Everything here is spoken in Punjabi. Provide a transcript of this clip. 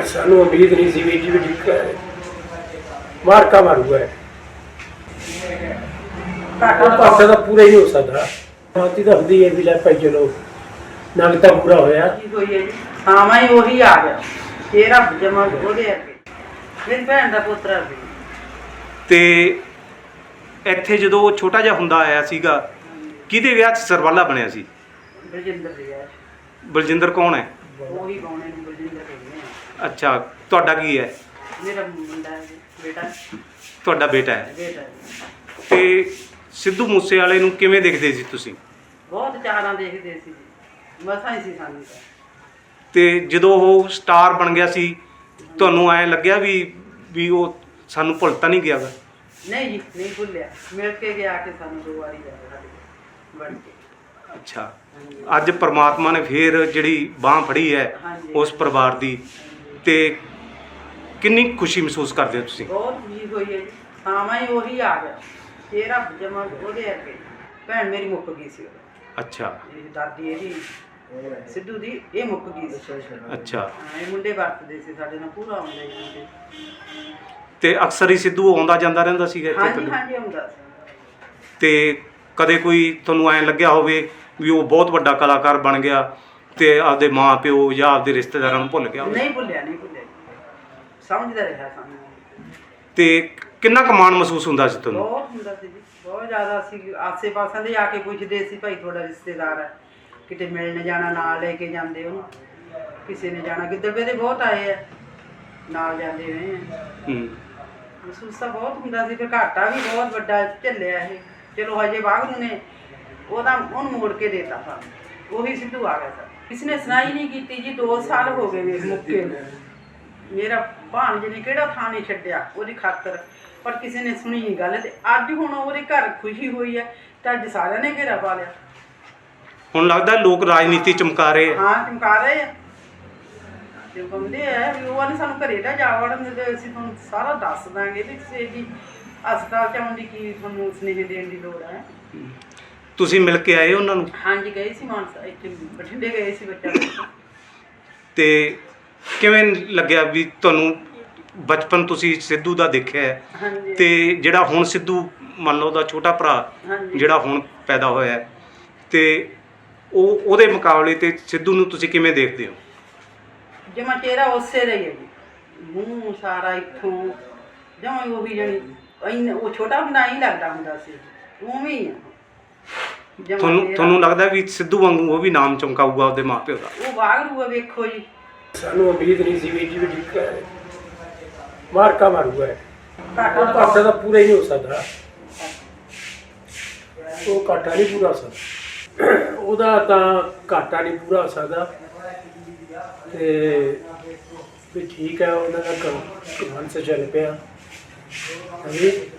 सानू उम्मीद नहीं सी वीर जी भी ठीक है मारका मारूगा पासा तो पूरा ही नहीं हो सकता बाती तो होंगी है भी लै भाई चलो नंग तो पूरा होया हाँ मैं वही आ गया तेरा जमा ਉਹਦੇ ਅੱਗੇ ਮੇਰੀ ਭੈਣ ਦਾ ਪੋਤਰਾ ਵੀ ਤੇ ਇੱਥੇ ਜਦੋਂ ਉਹ ਛੋਟਾ ਜਿਹਾ ਹੁੰਦਾ ਆਇਆ ਸੀਗਾ ਕਿਹਦੇ ਵਿਆਹ 'ਚ ਸਰਵਾਲਾ ਬਣਿਆ ਸੀ? ਬਲਜਿੰਦਰ ਦੀ ਹੈ। ਬਲਜਿੰਦਰ ਕੌਣ ਹੈ? ਉਹੀ ਗਾਉਣੇ ਨੂੰ ਬਲਜਿੰਦਰ ਕਹਿੰਦੇ ਆ। ਅੱਛਾ, ਤੁਹਾਡਾ ਕੀ ਹੈ? ਮੇਰਾ ਮੁੰਡਾ ਹੈ ਬੇਟਾ ਤੁਹਾਡਾ ਬੇਟਾ ਹੈ। ਬੇਟਾ ਤੇ ਸਿੱਧੂ ਮੂਸੇਵਾਲੇ ਨੂੰ ਕਿਵੇਂ ਦੇਖਦੇ ਸੀ ਤੁਸੀਂ? ਬਹੁਤ ਚਾਰਾਂ ਦੇਖਦੇ ਸੀ ਮਸਾਂ ਹੀ ਸੀ ਸਾਨੂੰ ਤਾਂ। ਤੇ ਜਦੋਂ ਉਹ ਸਟਾਰ ਬਣ ਗਿਆ ਸੀ ਤੁਹਾਨੂੰ ਐਂ ਲੱਗਿਆ ਵੀ ਉਹ ਸਾਨੂੰ ਭੁੱਲ ਤਾਂ ਨਹੀਂ ਗਿਆ ਗਾ? ਨਹੀਂ ਜੀ ਨਹੀਂ ਭੁੱਲਿਆ ਮਿਲ ਕੇ ਗਿਆ ਕਿ ਸਾਨੂੰ 2 ਵਾਰੀ ਜਾ ਬਣ ਕੇ। ਅੱਛਾ, ਅੱਜ ਪ੍ਰਮਾਤਮਾ ਨੇ ਫੇਰ ਜਿਹੜੀ ਬਾਂਹ ਫੜੀ ਹੈ ਉਸ ਪਰਿਵਾਰ ਦੀ ਤੇ ਕਿੰਨੀ ਖੁਸ਼ੀ ਮਹਿਸੂਸ ਕਰਦੇ ਹੋ ਤੁਸੀਂ? ਬਹੁਤ ਖੁਸ਼ੀ ਹੋਈ ਹੈ ਜੀ। ਹਾਂ ਮੈਂ ਉਹੀ ਆ ਗਿਆ ਤੇਰਾ ਜਮਾ ਉਹਦੇ ਅੱਗੇ ਭੈਣ ਮੇਰੀ ਮੁੱਕ ਗਈ ਸੀ ਉਦੋਂ। ਅੱਛਾ, ਇਹ ਦਾਦੀ ਇਹਦੀ ਸਿੱਧੂ ਦੀ ਇਹ ਮੁੱਕ ਗਈ ਸੀ। ਅੱਛਾ। ਇਹ ਮੁੰਡੇ ਵਰਤਦੇ ਸੀ ਸਾਡੇ ਨਾਲ ਪੂਰਾ ਆਉਂਦੇ ਸੀ ਮੁੰਡੇ। ਤੇ ਅਕਸਰ ਹੀ ਸਿੱਧੂ ਆਉਂਦਾ ਜਾਂਦਾ ਰਹਿੰਦਾ ਸੀਗਾ ਇੱਥੇ? ਹਾਂਜੀ ਹਾਂਜੀ ਆਉਂਦਾ ਸੀ। ਤੇ ਕਦੇ ਕੋਈ ਤੁਹਾਨੂੰ ਐਂ ਲੱਗਿਆ ਹੋਵੇ ਵੀ ਉਹ ਬਹੁਤ ਵੱਡਾ ਕਲਾਕਾਰ ਬਣ ਗਿਆ ਤੇ ਆਪਦੇ ਮਾਂ ਪਿਓ ਜਾਂ ਆਪਦੇ ਰਿਸ਼ਤੇਦਾਰਾਂ ਨੂੰ ਭੁੱਲ ਗਿਆ ਹੋਵੇ? ਨਹੀਂ ਭੁੱਲਿਆ ਨਹੀਂ ਭੁੱਲਿਆ ਸਮਝਦਾ ਰਿਹਾ ਸਾਨੂੰ। ਤੇ ਕਿੰਨਾ ਕੁ ਮਾਣ ਮਹਿਸੂਸ ਹੁੰਦਾ ਸੀ ਤੁਹਾਨੂੰ? ਬਹੁਤ ਹੁੰਦਾ ਸੀ ਜੀ ਬਹੁਤ ਜ਼ਿਆਦਾ। ਅਸੀਂ ਆਸੇ ਪਾਸੇ ਦੇ ਆ ਕੇ ਪੁੱਛਦੇ ਸੀ ਭਾਈ ਤੁਹਾਡਾ ਰਿਸ਼ਤੇਦਾਰ ਹੈ ਕਿਤੇ ਮਿਲਣ ਜਾਣਾ ਨਾਲ ਲੈ ਕੇ ਜਾਂਦੇ ਉਹਨੂੰ। ਕਿਸੇ ਨੇ ਜਾਣਾ ਗਿੱਦੜਵੇ ਦੇ ਬਹੁਤ ਆਏ ਆ ਨਾਲ ਜਾਂਦੇ ਰਹੇ ਆ। ਮਹਿਸੂਸ ਤਾਂ ਬਹੁਤ ਹੁੰਦਾ ਸੀ। ਫਿਰ ਘਾਟਾ ਵੀ ਬਹੁਤ ਵੱਡਾ ਝੱਲਿਆ ਇਹ। ਚਲੋ ਹਜੇ ਵਾਹਿਗੁਰੂ ਨੇ ਉਹਨੂੰ ਮੋੜ ਕੇ ਦੇਤਾ ਸਾਨੂੰ। ਉਹੀ ਸਿੱਧੂ ਆ ਗਿਆ ਸਰ। ਕਿਸੇ ਨੇ ਸੁਣਾਈ ਨਹੀਂ ਕੀਤੀ ਜੀ। 2 ਸਾਲ ਹੋ ਗਏ ਵੇਖ ਮੁੱਕੇ ਨੂੰ। ਮੇਰਾ ਭਾਣਜੇ ਨੇ ਕਿਹੜਾ ਥਾਂ ਨਹੀਂ ਛੱਡਿਆ ਉਹਦੀ ਖਾਤਰ, ਪਰ ਕਿਸੇ ਨੇ ਸੁਣੀ ਨਹੀਂ ਗੱਲ। ਤੇ ਅੱਜ ਹੁਣ ਉਹਦੇ ਘਰ ਖੁਸ਼ੀ ਹੋਈ ਹੈ ਤਾਂ ਅੱਜ ਸਾਰਿਆਂ ਨੇ ਘੇਰਾ ਪਾ ਲਿਆ। ਹੁਣ ਲੱਗਦਾ ਲੋਕ ਰਾਜਨੀਤੀ ਚਮਕਾ ਰਹੇ ਆ? ਹਾਂ ਚਮਕਾ ਰਹੇ ਆ। ਤੇ ਕਹਿੰਦੇ ਆ ਵੀ ਉਹ ਨੇ ਸਾਨੂੰ ਘਰੇ ਦਾ ਜਾ ਵੜਨ ਦੇ, ਅਸੀਂ ਤੁਹਾਨੂੰ ਸਾਰਾ ਦੱਸ ਦਾਂਗੇ ਵੀ ਕਿਸੇ ਦੀ ਹਸਪਤਾਲ 'ਚ ਆਉਣ ਦੀ ਕੀ ਤੁਹਾਨੂੰ ਸੁਨੇਹੇ ਦੇਣ ਦੀ ਲੋੜ ਹੈ। ਤੁਸੀਂ ਮਿਲ ਕੇ ਆਏ ਉਹਨਾਂ ਨੂੰ? ਹਾਂਜੀ ਗਏ ਸੀ ਮਾਨਸਾ, ਇੱਥੇ ਬਠਿੰਡੇ ਗਏ ਸੀ ਬੱਚਾ। ਤੇ ਕਿਵੇਂ ਲੱਗਿਆ ਵੀ ਤੁਹਾਨੂੰ ਬਚਪਨ ਤੁਸੀਂ ਸਿੱਧੂ ਦਾ ਦੇਖਿਆ ਹੈ ਹਾਂਜੀ ਤੇ ਜਿਹੜਾ ਹੁਣ ਸਿੱਧੂ ਮੰਨ ਲਓ ਉਹਦਾ ਛੋਟਾ ਭਰਾ ਹਾਂਜੀ ਜਿਹੜਾ ਹੁਣ ਪੈਦਾ ਹੋਇਆ ਹੈ ਤੇ ਉਹਦੇ ਮੁਕਾਬਲੇ ਤੇ ਸਿੱਧੂ ਨੂੰ ਤੁਸੀਂ ਕਿਵੇਂ ਦੇਖਦੇ ਹੋ? ਜਮਾ ਚਿਹਰਾ ਉਸੇ ਦਾ ਹੀ ਹੈ ਜੀ। ਮੂੰਹ ਸਾਰਾ ਇੱਥੋਂ ਜਮਾ ਉਹੀ ਜਾਣੀ ਉਹ ਛੋਟਾ ਹੁੰਦਾ ਹੀ ਲੱਗਦਾ ਹੁੰਦਾ ਸੀ ਉਵੇਂ ਹੀ ਆ। ਤੁਹਾਨੂੰ ਲੱਗਦਾ ਵੀ ਸਿੱਧੂ ਵਾਂਗੂ ਉਹ ਵੀ ਨਾਮ ਚਮਕਾਊਗਾ ਉਹਦੇ ਮਾਪਿਓ ਦਾ? ਉਹ ਵਾਗਰੂ ਆ ਵੇਖੋ ਜੀ। सानू उम्मीद नहीं सी वीर जी भी ठीक है मारका मारूगा ਘਾਟਾ पासा तो पूरा ही नहीं हो सकता वो घाटा नहीं पूरा हो सकता ਉਹਦਾ ਤਾਂ ਘਾਟਾ ਨਹੀਂ ਪੂਰਾ ਹੋ ਸਕਦਾ। ਤੇ ਵੀ ਠੀਕ ਹੈ ਉਹਨਾਂ ਦਾ ਕੰਮ ਸੇ ਚੱਲ ਪਿਆ। ਹਾਂਜੀ।